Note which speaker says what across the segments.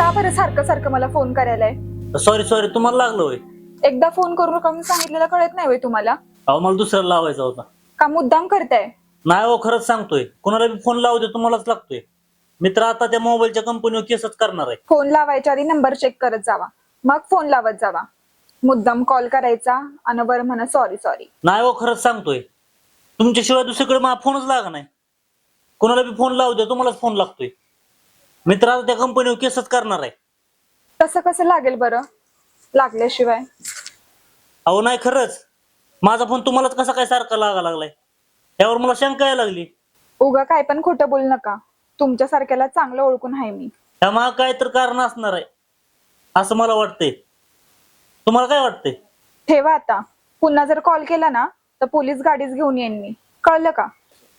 Speaker 1: का बरं सारखं सारखं मला फोन करायलाय?
Speaker 2: सॉरी सॉरी, तुम्हाला लागलं होय?
Speaker 1: एकदा फोन करू नका म्हणून सांगितलेलं कळत नाही होय तुम्हाला?
Speaker 2: अहो मला दुसऱ्याला लावायचा होता.
Speaker 1: का मुद्दाम करताय?
Speaker 2: नाही हो, खरंच सांगतोय, कोणाला बी फोन लावू दे तुम्हालाच लागतोय. मित्र आता त्या मोबाईलच्या कंपनीवर केसच करणार आहे.
Speaker 1: फोन लावायच्या आधी नंबर चेक करत जावा, मग फोन लावत जावा. मुद्दाम कॉल करायचा आणि बरं म्हणा सॉरी सॉरी.
Speaker 2: नाही हो, खरंच सांगतोय, तुमच्याशिवाय दुसरीकडे मला फोनच लागा नाही. कोणाला बी फोन लावू दे तुम्हालाच फोन लागतोय. मित्र आता त्या कंपनीवर केसच करणार आहे.
Speaker 1: तसं कसं लागेल बरं? लागल्याशिवाय
Speaker 2: अहो नाही, खरंच माझा फोन तुम्हालाच कसा काय सारखा लागा लागलाय, यावर मला शंका यायला लागली.
Speaker 1: उगा काय पण खोटं बोलू नका. तुमच्यासारख्याला चांगलं ओळखून आहे मी.
Speaker 2: त्यामागे काय तर कारण असणार आहे असं मला वाटतंय. तुम्हाला काय वाटतंय?
Speaker 1: ठेवा आता. पुन्हा जर कॉल केला ना तर पोलीस गाडीच घेऊन येईन मी, कळलं का?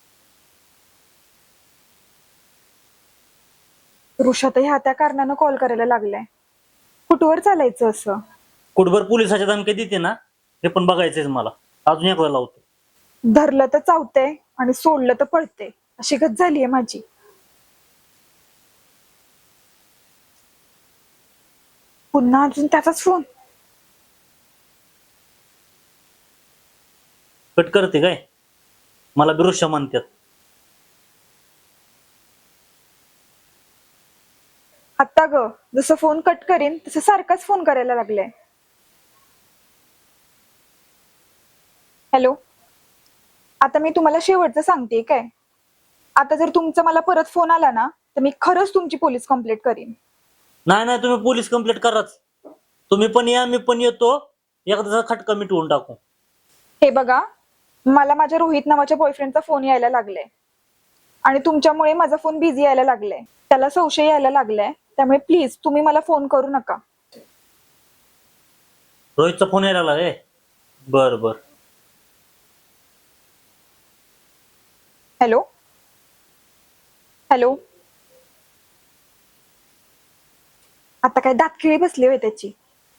Speaker 1: ऋषात ह्या त्या कारणानं कॉल करायला लागलाय. कुठवर चालायचं असं?
Speaker 2: कुठभर पोलिसाच्या धमकी देते ना, हे पण बघायचंय मला. अजून एकदा लावतो.
Speaker 1: धरलं तर चावतंय आणि सोडलं तर पळते, अशी गत झालीये माझी. पुन्हा अजून त्याचाच फोन.
Speaker 2: कट करते काय? मला बिरुष्य म्हणतात.
Speaker 1: आता ग जसं फोन कट करीन तसं सारखाच फोन करायला लागलाय. हॅलो, आता मी तुम्हाला शेवटचं सांगते काय. आता जर तुमचा मला परत फोन आला ना तर मी खरंच तुमची पोलीस कंप्लेंट करीन.
Speaker 2: नाही नाही, तुम्ही पोलीस कंप्लेंट कराच. तुम्ही पण या, मी पण येतो. एकदाचा खटका मिटवून टाकू.
Speaker 1: हे बघा, मला माझ्या रोहित नावाच्या बॉयफ्रेंडचा फोन यायला लागलाय आणि तुमच्यामुळे माझा फोन बिझी यायला लागलाय. त्याला संशय यायला लागलाय, त्यामुळे प्लीज तुम्ही मला फोन करू नका.
Speaker 2: रोहितचा फोन यायला लागलाय? बर बर.
Speaker 1: हॅलो हॅलो, आता काय दातखिळी बसली होय त्याची.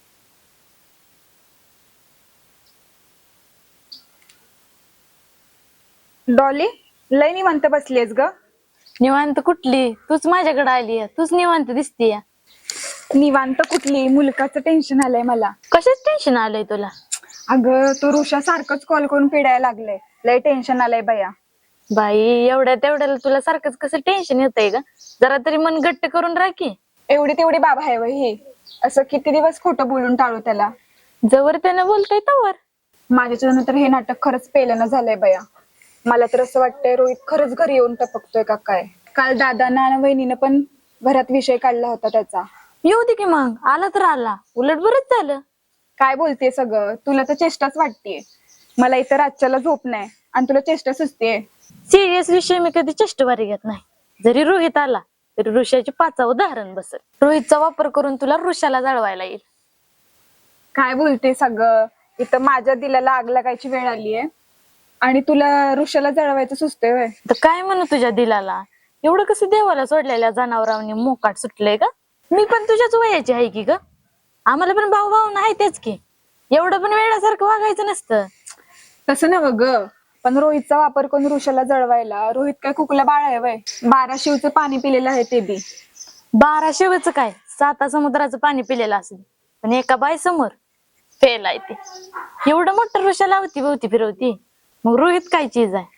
Speaker 1: डॉली, लय निवांत बसलीयस ग.
Speaker 3: निवांत कुठली? तूच माझ्याकडे आली, तूच निवांत दिसतीय.
Speaker 1: निवांत कुठली, मुलकाचं टेन्शन आलंय मला.
Speaker 3: कशाच टेन्शन आलंय तुला?
Speaker 1: अगं तो ऋषा सारखंच कॉल करून पिडायला लागलंय. लय टेन्शन आलंय बया.
Speaker 3: बाई, एवढ्या तेवढ्याला तुला सारखंच कसं टेन्शन येतंय का? जरा तरी मन गट्ट करून राखी.
Speaker 1: एवढी तेवढी बाबा आहे वय ही. असं किती दिवस खोटं बोलून टाळू त्याला.
Speaker 3: जवळ त्यानं बोलतोय तवर.
Speaker 1: माझ्याच्यानं तर हे नाटक खरंच पेलनं झालंय बया. मला तर असं वाटतंय रोहित खरंच घरी येऊन टपकतोय का काय. काल दादांना आणि वहिनीनं पण घरात विषय काढला होता त्याचा.
Speaker 3: येऊ दे की मग, आला तर आला, उलट बरंच झालं.
Speaker 1: काय बोलतेय सगळं? तुला तर चेष्टाच वाटतेय. मला इतर आजच्याला झोप नाही आणि तुला चेष्टा सुचतेय.
Speaker 3: सिरियस विषय मी कधी चेष्टवारी घेत नाही. जरी रोहित आला तरी ऋषाची 5 उदाहरण बसेल. रोहितचा वापर करून तुला ऋषाला जळवायला येईल.
Speaker 1: काय बोलते सगळं? इथं माझ्या दिलाला आग लागायची वेळ आलीये आणि तुला ऋषाला जळवायचं सुचतंय व्हय?
Speaker 3: तर काय म्हणू तुझ्या दिलाला? एवढं कसं देवाला सोडलेल्या जनावरांनी मोकाट सुटलंय का? मी पण तुझ्याच वयाची आहे की ग. आम्हाला पण भाऊ भाऊ नाही तेच की. एवढं पण वेळासारखं वागायचं नसतं.
Speaker 1: तसं नव्ह ग, पण रोहितचा वापर करून ऋषाला जळवायला. रोहित काय कुकला बाळ आहे वय? 12 शिवचं पाणी पिलेलं आहे ते बी.
Speaker 3: 12 शिवचं काय, 7 समुद्राचं पाणी पिलेलं असेल, पण एका बाई समोर फेल आहे ते. एवढं मोठं ऋषा लावती भोवती फिरवती, मग रोहित काय चीज आहे?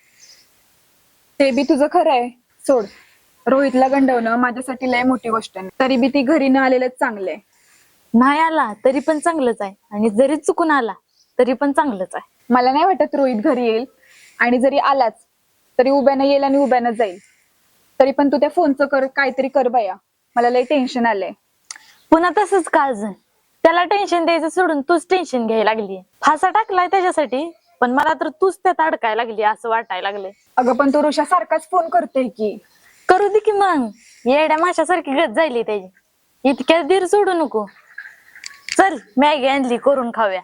Speaker 1: ते बी तुझं खरं आहे. सोड, रोहितला गंडवणं माझ्यासाठी लय मोठी गोष्ट नाही. तरी बी ती घरी न आलेलंच चांगलंय.
Speaker 3: नाही आला तरी पण चांगलंच आहे, आणि जरी चुकून आला तरी पण चांगलंच आहे.
Speaker 1: मला नाही वाटत रोहित घरी येईल, आणि जरी आलाच तरी उभ्यानं येईल आणि उभ्यानं जाईल. तरी पण तू त्या फोनचं कर, काहीतरी कर बया. मला लय टेन्शन आलंय.
Speaker 3: पुन्हा तसंच का अजून? त्याला टेन्शन द्यायचं सोडून तूच टेन्शन घ्यायला लागली. फासा टाकलाय त्याच्यासाठी, पण मला तर तूच त्यात अडकायला लागली असं वाटायला लागले.
Speaker 1: अगं पण तू ऋषा सारखाच फोन करतोय की.
Speaker 3: करू दे की मग, येड्या माशासारखी गत जायली त्याची. इतक्या धीर सोडू नको. चल, मॅगी आणली, करून खाऊया.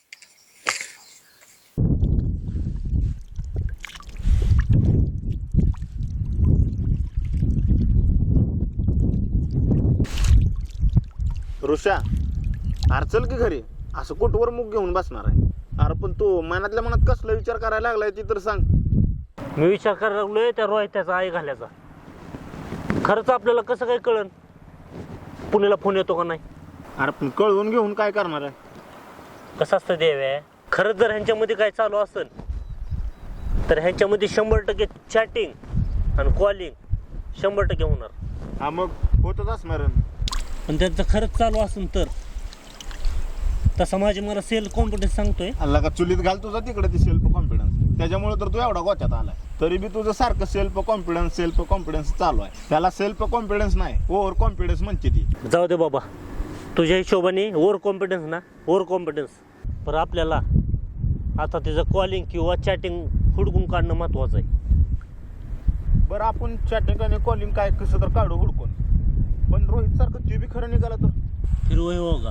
Speaker 4: ऋषा, अरे चल की घरी. असं कुठवर मुग घेऊन बसणार आहे? अरे पण तू मनातल्या मनात कसला विचार करायला लागलाय ती तर सांग.
Speaker 2: मी विचार करायला लागलोय त्या रोहित्याचा आई घाल्याचा. खरंच आपल्याला कसं काय कळन? पुण्याला फोन येतो का नाही?
Speaker 4: अरे पण कळवून घेऊन काय करणार आहे?
Speaker 2: कसं असतं देव्या, खरंच जर ह्यांच्यामध्ये काय चालू असेल तर ह्यांच्यामध्ये 100% चॅटिंग आणि कॉलिंग 100% होणार.
Speaker 4: हा मग होतच असणार.
Speaker 2: पण त्यांचं खरंच चालू असेल तर तसं माझी मला सेल्फ कॉन्फिडन्स सांगतोय.
Speaker 4: अल्ला का चुलीत घाल तुझा तिकडे ती सेल्फ कॉन्फिडन्स, त्याच्यामुळे तर तू एवढा गोच्यात आलाय. तरी बी तुझं सारखं सेल्फ कॉन्फिडन्स चालू आहे. त्याला सेल्फ कॉन्फिडन्स नाही, ओव्हर कॉन्फिडन्स म्हणते ती.
Speaker 2: जाऊ दे बाबा, तुझ्या हिशोबाने ओव्हर कॉन्फिडन्स ना, ओव्हर कॉन्फिडन्स. पण आपल्याला आता तिचं कॉलिंग किंवा चॅटिंग हुडकून काढणं महत्वाचं आहे.
Speaker 4: बरं आपण चॅटिंग आणि कॉलिंग काय कसं तर काढू हुडकून, पण रोहित सारखं ते बी खरं निघाला तर
Speaker 2: फिर वही होगा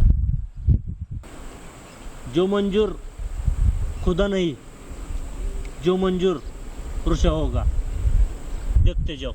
Speaker 2: जो मंजूर खुदा नहीं, जो मंजूर पुरुषा होगा. देखते जाओ.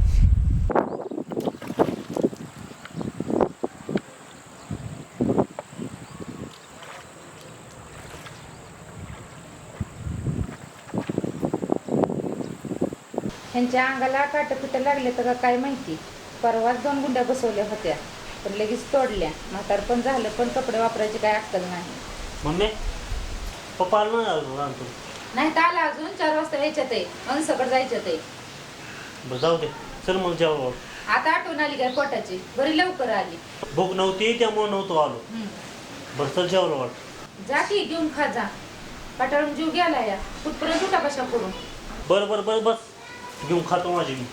Speaker 5: ह्यांच्या अंगाला काटपिटं लागले तर काय माहिती. परवाच 2 गुंड्या बसवल्या होत्या पण लगेच तोडल्या. म्हातारपण झालं पण कपडे वापरायची काय अक्कल नाही.
Speaker 2: मम्मी पप्पा आलं ना आणतो.
Speaker 5: नाही तर आला अजून 4 वाजता यायच्यात आहे, मनसकट जायच्यात आहे.
Speaker 2: बरं जाऊ दे, चल मग जेव्हा
Speaker 5: आता आठवण आली काय पोटाची, बरी लवकर आली.
Speaker 2: भूक नव्हती त्यामुळे नव्हतो आलो. बरं चल जेवलं वाट.
Speaker 5: जा की घेऊन खा जा. पाटाळून जीव गेला या कुठपर्यंत उठा कशा करून.
Speaker 2: बरं बरं बरं बस घेऊन खातो माझी मी.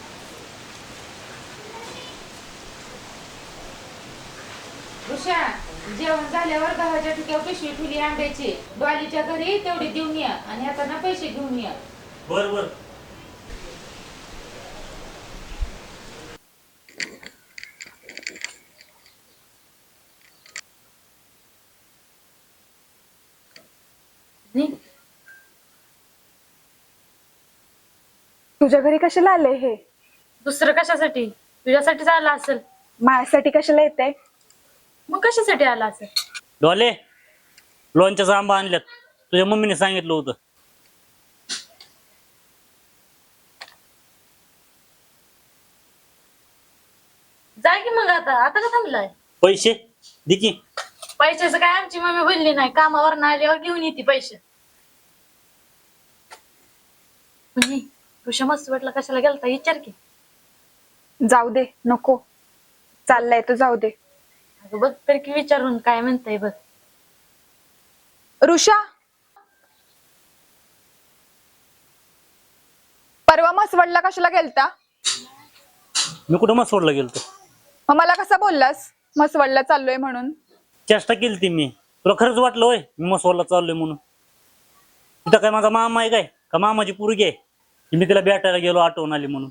Speaker 5: ऋषा जेवण झाल्यावर गव्हाच्या ठिकाणी पिशवी ठेवली आंब्याची. डॉलीच्या घरी तेवढी देऊन या आणि आता ना पैसे घेऊन या.
Speaker 2: बरं बरं.
Speaker 1: तुझ्या घरी कशाला आले हे?
Speaker 3: दुसरं कशासाठी? तुझ्यासाठीच आला असेल.
Speaker 1: माझ्यासाठी कशाला येते?
Speaker 3: मग कशासाठी आला असेल?
Speaker 2: डोले लोणच्याचा आंबा आणल्यात, तुझ्या मम्मीने सांगितलं होतं.
Speaker 3: जा की मग. आता आता का थांबलाय?
Speaker 2: पैसे दे की.
Speaker 3: पैशाचं काय आमची मम्मी बोलली नाही, कामावर आल्यावर घेऊन येते पैसे. म्हणजे ऋषा मस्त वाटलं कशाला गेलता विचार की.
Speaker 1: जाऊ दे, नको. चाललाय तो जाऊ दे.
Speaker 3: अगं बघ तर की विचारून काय म्हणताय बघ.
Speaker 1: ऋषा, परवा मसवडला कशाला गेलता?
Speaker 2: मी कुठं मग सोडला गेलतो?
Speaker 1: मग मला कसा बोललास मसवडला चाललोय म्हणून?
Speaker 2: चेष्टा केली ती मी. तुला खरंच वाटलं होय मी मसवाला चाललोय म्हणून? तिथं काय माझा मामा आहे काय का मामाची पोरगी आहे की मी तिला भेटायला गेलो आठवण आली म्हणून?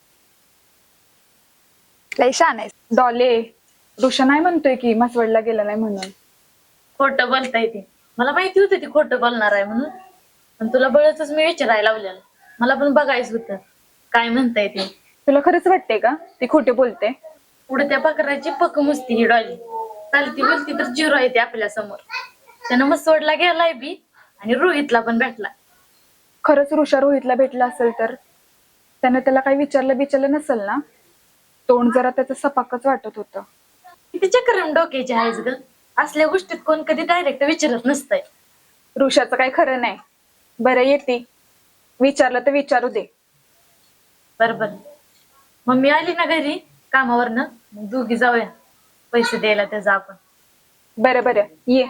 Speaker 1: लय छान आहे डॉले. ऋषा नाही म्हणतोय की मसवडला गेला नाही म्हणून.
Speaker 3: खोटं बोलताय ते. मला माहिती होतं ती खोटं बोलणार आहे म्हणून, पण तुला बळच मी विचारायला लावलेलं. मला पण बघायचं होतं काय म्हणताय ते.
Speaker 1: तुला खरंच वाटते का ती खोटे बोलते?
Speaker 3: पुढे त्या पाकराची पक मुसती ही डॉली. चालती बोलती तर जिरो आहे ती आपल्या समोर. त्यानं मग सोडला गेलाय बी आणि रोहितला पण भेटला.
Speaker 1: खरंच ऋषा रोहितला भेटला असेल तर त्याने त्याला काही विचारलं नसेल ना? तोंड जरा त्याचं सपाकच वाटत होतं.
Speaker 3: किती चक्रम डोक्याची आहेस ग. असल्या गोष्टीत कोण कधी डायरेक्ट विचारत नसतंय.
Speaker 1: ऋषाचं काही खरं नाही. बरं येते, विचारलं तर विचारू दे.
Speaker 3: बरोबर. मम्मी आली ना घरी कामावरनं, मग दोघी जाऊया पैसे द्यायला त्याचा आपण.
Speaker 1: बरं बरं ये.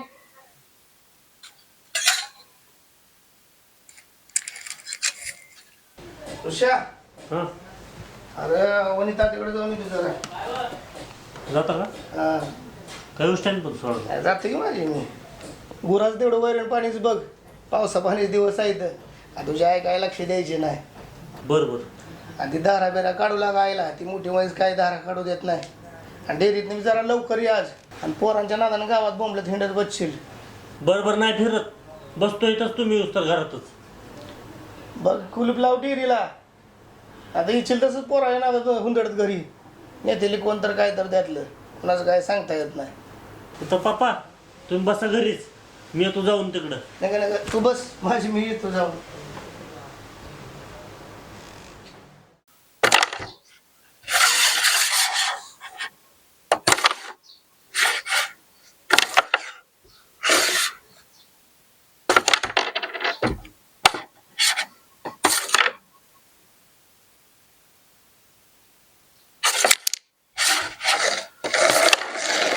Speaker 6: ऋषा,
Speaker 2: हा
Speaker 6: अरे वनिता तिकडे जाऊन येतो जरा.
Speaker 2: जाता का?
Speaker 6: हा,
Speaker 2: काही गोष्टी पण सोडलं.
Speaker 6: जाते की माझी मी. गुराच तेवढं वैरण पाणीच बघ. पावसा पाणी दिवस आहेत. तुझ्या आई काय लक्ष द्यायचे नाही.
Speaker 2: बरं बरं.
Speaker 6: आणि ती दारा बिरा काढू लागायला ती मोठी वयस काय दारा काढू देत नाही. आणि डेअरीत मी जरा लवकर ये आज. आणि पोरांच्या नादानं गावात बोंबलत हिंडत बसशील.
Speaker 2: बरं बरं नाही फिरत, बसतो इथंच तुम्ही येऊस तर घरातच.
Speaker 6: बघ कुलूप लाव डेअरीला. आता इच्छिल तसंच पोरा ना हुंदडत घरी नेतेली कोण तर काय तर त्यातलं कुणाचं काय सांगता येत नाही.
Speaker 2: तर पप्पा तुम्ही बसा घरीच, मी येतो जाऊन तिकडं.
Speaker 6: नका नका तू बस माझी मी येतो जाऊन.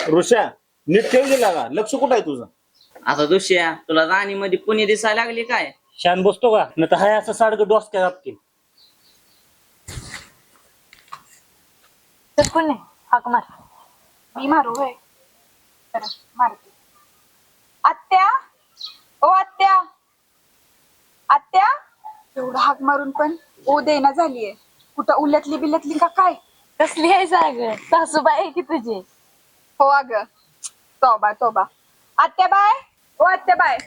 Speaker 4: ऋषा नीट ठेव दिला का? लक्ष कुठं आहे तुझं?
Speaker 7: आता दुसऱ्या तुला राणीमध्ये पुणे दिसायला लागली काय?
Speaker 2: शान बसतो का? नाही तर हाय असं साडगं डोसक्यात आपतील.
Speaker 3: तर पुणे हाक मार.
Speaker 1: मी मारू होय? बरं, मारते. आत्या, ओ आत्या, आत्या. एवढं हाक मारून पण ओ देना झालीये. कुठं उलटली बिलटली का काय?
Speaker 3: कसली आहे साग? सासूबाई आहे की तुझी?
Speaker 1: हो अगं, तोबा तोबा. आत्या बाय, ओ आत्या बाय.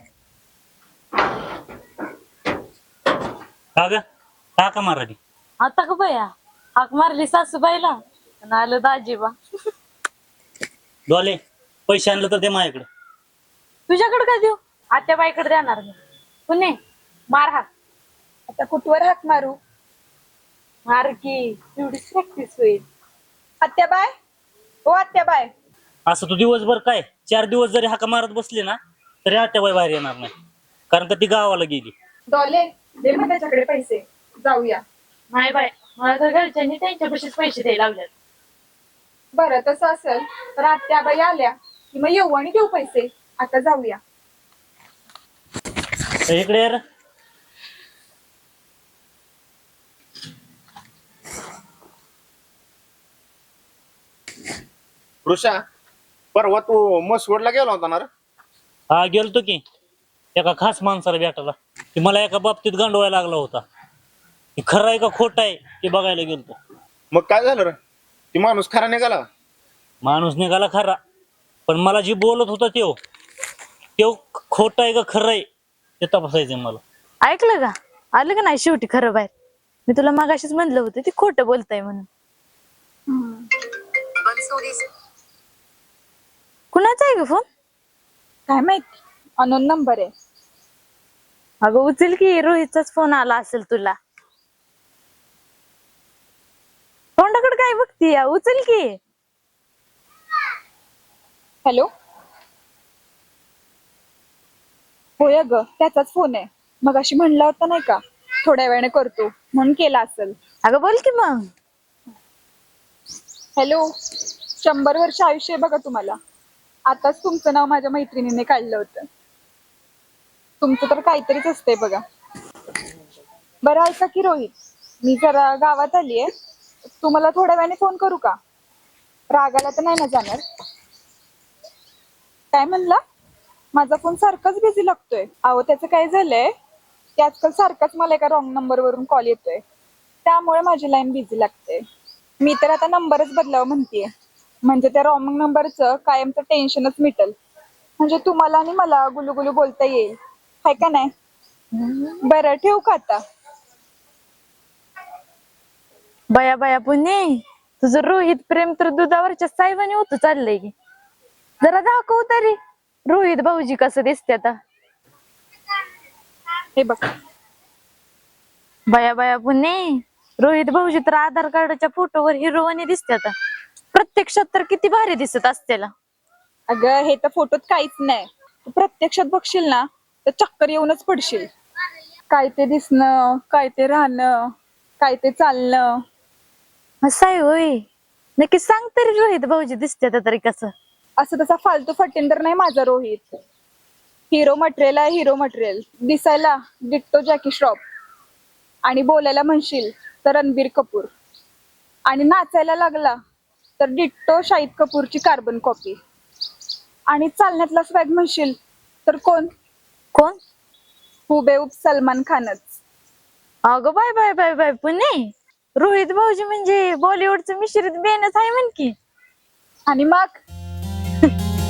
Speaker 2: का ग? का का माराडी?
Speaker 3: आता का बया हाक मारली सासूबाईला आणि आलं दाजीबा.
Speaker 2: डोले पैसे आणलं तर ते माझ्याकडे.
Speaker 3: तुझ्याकडे काय देऊ? आत्याबाईकडे देणार मी. पुणे मार हाक.
Speaker 1: आता कुठवर हाक मारू?
Speaker 3: मार की तेवढीच प्रॅक्टिस होईल.
Speaker 1: आत्या बाय, ओ आत्या बाय.
Speaker 2: असं तू दिवसभर काय 4 दिवस जरी हाका मारत बसली ना तरी आत्याबाई बाहेर येणार नाही, कारण का ती गावाला गेली.
Speaker 1: डॉले दे मग त्याच्याकडे पैसे, जाऊया.
Speaker 3: नाही बाय, मला तर घरच्यांनी त्यांच्यापाशीच पैसे द्यायला लागलेत.
Speaker 1: बरं तसं असेल तर आत्या बाई आल्या की मग येऊ आणि देऊ पैसे. आता जाऊया.
Speaker 2: तर इकडे यार.
Speaker 4: ऋषा परवा तू मसवडला गेला होता ना रे?
Speaker 2: हा गेलतो की एका खास माणसाला भेटायला. की मला एका बाबतीत गांडवायला लागला होता. की खरं आहे का खोट आहे ते बघायला गेलतो.
Speaker 4: मग काय झालं रे? ती माणूस खरा निघाला?
Speaker 2: माणूस निघाला खरा, पण मला जी बोलत होता त्यो खोट आहे का खरं आहे ते तपासायचंय मला.
Speaker 3: ऐकलं का? आलं का नाही शेवटी खरं बाहेर? मी तुला मागाशीच म्हणलं होतं ती खोटं बोलताय म्हणून. कुणाचा आहे ग फोन?
Speaker 1: काय माहिती, अनोन नंबर आहे.
Speaker 3: अगं उचल की, रोहितचाच फोन आला असेल तुला. तोंडाकडे काय बघती? उचल की.
Speaker 1: हॅलो, होय ग त्याचाच फोन आहे. मग अशी म्हणला होता नाही का थोड्या वेळाने करतो म्हणून केला असेल.
Speaker 3: अगं बोल की मग.
Speaker 1: हॅलो, 100 वर्ष आयुष्य आहे बघा तुम्हाला. आताच तुमचं नाव माझ्या मैत्रिणीने काढलं होतं. तुमचं तर काहीतरीच असतंय बघा. बरं ऐका की रोहित, मी जरा गावात आलीये. तुम्हाला थोड्या वेळाने फोन करू का? रागाला तर नाही ना जाणार? काय म्हणला? माझा फोन सारखाच बिझी लागतोय. अहो त्याचं काय झालंय की आजकाल सारखाच मला एका रॉंग नंबर वरून कॉल येतोय, त्यामुळे माझी लाईन बिझी लागते. मी तर आता नंबरच बदलावं म्हणतेय, म्हणजे त्या रॉंग नंबरचं कायमचं टेन्शनच मिटल. म्हणजे तुम्हाला आणि मला गुलुगुलू बोलता येईल, हाय का नाही? बरं ठेवू का आता?
Speaker 3: बया बया पुणे, तुझं रोहित प्रेम तर दुधावरच्या साहेबांनी होत चाललंय की. जरा दाखव तरी रोहित भाऊजी कसं दिसते आता.
Speaker 1: हे बघ.
Speaker 3: बया बया पुणे, रोहित भाऊजी तर आधार कार्डाच्या फोटोवर हिरोवानी दिसते आता. प्रत्यक्षात तर किती भारी दिसत असतेला.
Speaker 1: अगं हे तर फोटोत काहीच नाही. तू प्रत्यक्षात बघशील ना तर चक्कर येऊनच पडशील. काय ते दिसणं, काय ते राहणं, काय ते चालणं.
Speaker 3: असं आहे होय? नक्की सांग तरी रोहित भाऊजी दिसते आता तरी कसं.
Speaker 1: असं तसा फालतू फटिंदर नाही माझा रोहित. हिरो मटेरियल आहे, हिरो मटेरियल. दिसायला डिट्टो जॅकी श्रॉफ, आणि बोलायला म्हणशील तर रणबीर कपूर, आणि नाचायला लागला तर डिट्टो शाहिद कपूरची कार्बन कॉपी, आणि चालण्यातला स्वॅग म्हणशील तर कोण?
Speaker 3: कोण?
Speaker 1: हुबेहूब सलमान खानच.
Speaker 3: अगं bye bye bye bye Pune, Rohit भाऊजी म्हणजे बॉलिवूडचं मिश्रित बेनच आहे म्हण की.
Speaker 1: आणि मग